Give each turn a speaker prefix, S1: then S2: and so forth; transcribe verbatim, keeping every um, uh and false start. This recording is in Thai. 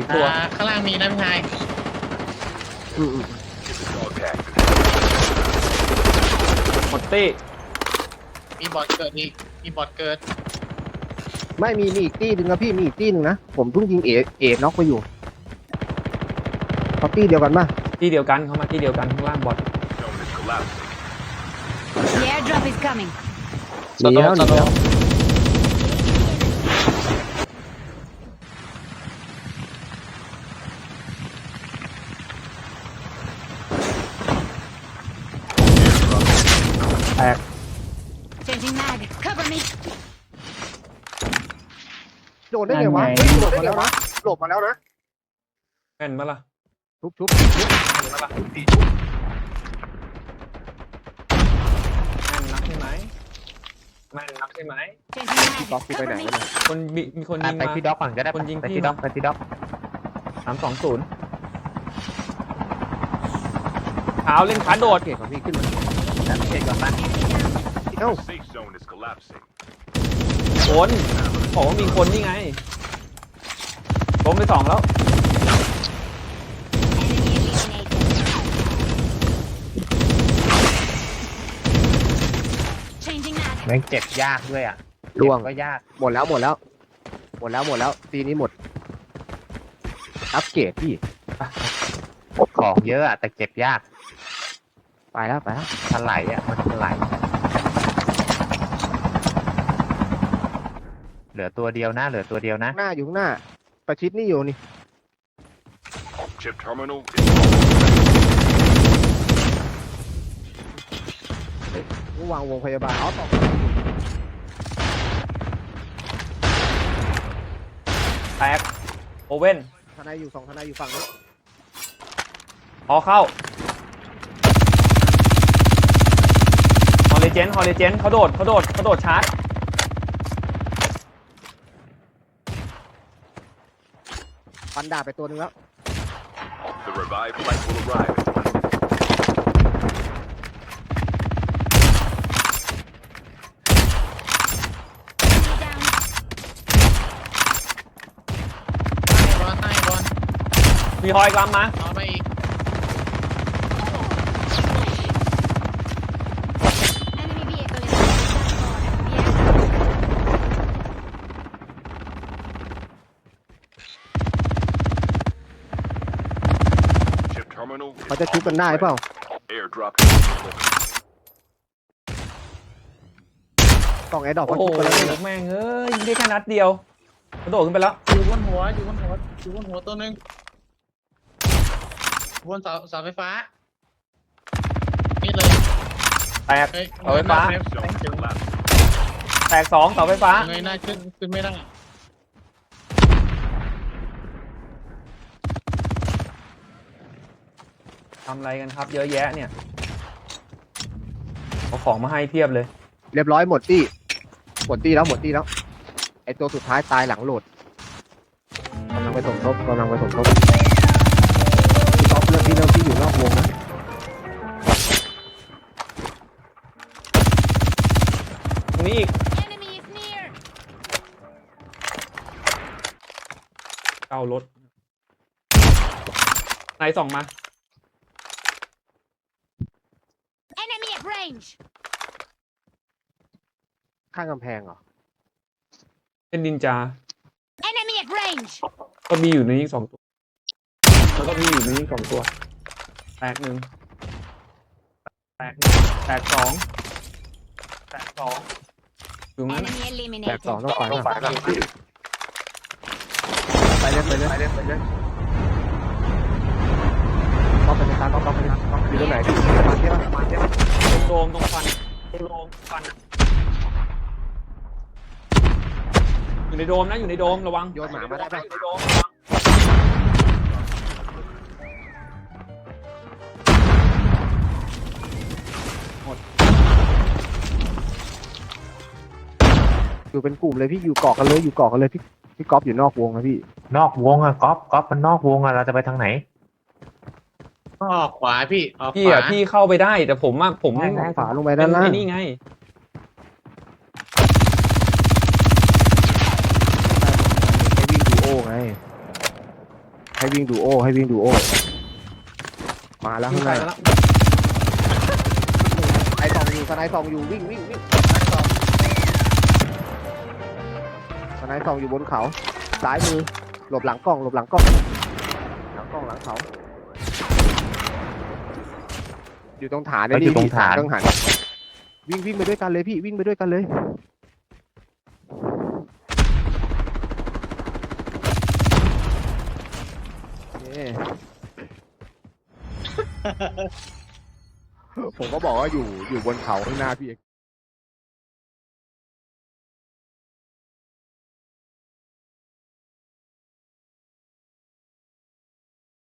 S1: อีกตัว
S2: อ่าข้างล่างมีนะพี่ชาย
S1: อืมอืมหมดตี้
S2: มีบอทเกิดอีกมีบอทเกิด
S3: ไม่มีมีอีกตี้หนึ่งนะพี่มีอีกตี้หนึ่งนะผมเพิ่งยิงเอเอน็อกไปอยู่เขาตี้เดียวกันป่ะ
S1: ที่เดียวกันเขามาที่เดียวกันข้างล่างบอท
S4: The airdrop is coming.
S3: หนีแล้วหนีแล้วแตก
S4: Changing mag. Cover me.
S3: โดนได้ไงวะ
S5: นั่นไง
S3: โดดมาแล้วนะหลบมาแล้วนะ
S1: แม่นมาล่ะ
S3: ชุบชุบชุบ
S1: แม่นมาล่ะแม่นนักใช่ไหมแม่นนักใช่ไหม
S4: Changing
S3: ล็อก
S4: mag.
S3: พี่ไปไหน
S4: Cover me.
S3: วะเนี่ย
S1: คนมีมีคนยิง
S5: ไป
S1: มา
S5: ที่ด็อกก่อนก็ได้
S1: คนยิง
S5: ไป
S1: พี่
S5: ที่ด็อกไปที่ด็อก
S1: สามสองศูนย์ขาวเล่นขาโดด
S3: เก่งของพี่ขึ้นมา
S5: เช็คก่อนนะ
S3: เอ้า
S6: Safe zone is collapsing.
S1: คนบอกว่ามีคนนี่ไงล้มไปสองแล้ว
S4: Enemy eliminated. 'Changing mag.
S5: แม่งเจ็บยากด้วยอ่ะ
S3: ล่วง
S5: เจ็บก็ยาก
S3: หมดแล้วหมดแล้ว หมดแล้วหมดแล้วตีนี้หมด อัปเกรดพี่
S5: ของเยอะอ่ะแต่เจ็บยาก
S3: ไปแล้วไปแล้ว
S5: ถลายอ่ะมันถลายเหลือตัวเดียวนะเหลือตัวเดียวนะ
S3: ข้างหน้าอยู่ข้างหน้า ประชิดนี่อยู่นี่
S6: Chip terminal is
S3: ระวางวงพยาบาลเอาต่อ
S1: แตกโอเว่น
S3: ทนายอยู่สองทนายอยู่ฝั่งนี้
S1: พอเข้าฮอลเลเจนฮอลเลเจนเขาโดดเขาโดดเขาโดดชาร์จ
S3: ฟันดาบไปตัวหนึงแล้ว
S6: the revived flight will arrive.
S4: Down.
S2: ใต้บอลใต้บอล
S1: มีฮอยกลัมมา
S2: เอาไปอีก
S4: Enemy vehicle is on the
S6: Chip terminal
S3: เขา
S6: is
S3: จะชุบกันได้เปล่า
S6: airdrop is delivered.
S3: กล่องแอร์ดรอป
S1: โอ้
S3: เขา
S1: โห
S3: ชุบกันแล้วเนี่ย
S1: แม่งเอ้ยยิงได้แค่นัดเดียวกระโดดขึ้นไปแล้ว
S2: อยู่บนหัวอยู่บนหัวอยู่บนหัวตัวหนึ่งบนเสาเสาไฟฟ้านี่เลย
S1: แตก
S2: เฮ้ย
S1: เสาไฟฟ้า
S2: เงยหน้
S6: Zone is collapsing.
S1: แตกสองเสาไฟฟ้า
S2: เงยหน้าขึ้นขึ้นไม่ได้
S1: ทำอะไรกันครับ เยอะแยะเนี่ยเอาของมาให้เพียบเลย
S3: เรียบร้อยหมดตี้หมดตี้แล้วหมดตี้แล้ว ไอตัวสุดท้ายตายหลังโหลดกำลังไปสมทบกำลังไปสมทบพี่ท็อปเรื่องที่เรื่องที่อยู่นอกวงนะ
S1: ตรงนี้อีก
S4: Enemy is near.
S1: เก้ารถไหนส่องมา
S4: Enemy at range.
S3: ข้างกำแพงเหรอ
S1: เป็นนินจา
S4: Enemy at range.
S1: ก็มีอยู่ในนี้สองตัวแล้วก็มีอยู่ในนี้สองตัวแตกหนึ่งแตกหนึ่งแตกสองแตกสองอยู่งั้น
S4: Enemy
S3: แตกสอง
S4: eliminated.
S3: ต้องไปนะไปเลยไปเลยไปเลยไปเลยก๊อปไปเลยครับก๊อปไปเลยก๊อปอยู่ตรงไหนพี่มาเที่ยวมาเที่ยว
S1: ตรงโดมตรงฟันตรงโดมฟันอะอยู่ในโดมนะอยู่ในโดมระวัง
S3: โยนหมามาได้ปะ
S1: อยู่ในโดมระวัง
S3: อยู่เป็นกลุ่มเลยพี่อยู่เกาะกันเลยอยู่เกาะกันเลยพี่พี่ก๊อฟอยู่นอกวงนะพี่
S5: นอกวงอ่ะก๊อฟก๊อฟมันนอกวงอ่ะเราจะไปทางไหน
S2: ออกขวาพี่ออก
S1: พี่
S2: ขวา
S1: อ่ะพี่เข้าไปได้แต่ผมอ่ะผม
S5: ได้ได้
S3: ขวาลงไปด้านล่าง
S1: ไอ้นี่ไง
S3: ให้วิ่งดูโอ้ไงให้วิ่งดูโอให้วิ่งดูโอมาแล้ว
S2: ยิ
S3: ข้าง งห
S2: ใส่
S3: น้า
S2: แล้ว
S3: ไอสองอยู่สไนด์สองอยู่วิ่งวิ่งวิ่งสไนด์สองอยู่บนเขาซ้ายมือหลบหลังกล้องหลบหลังกล้องหลังกล้องหลังเขาอยู่ตรงฐาน
S5: เขาอยู่ตรงฐาน
S3: ตรงฐานวิ่งวิ่งไปด้วยกันเลยพี่วิ่งไปด้วยกันเลยเย้ผมก็บอกว่าอยู่อยู่บนเขาข้างหน้าพี่เอก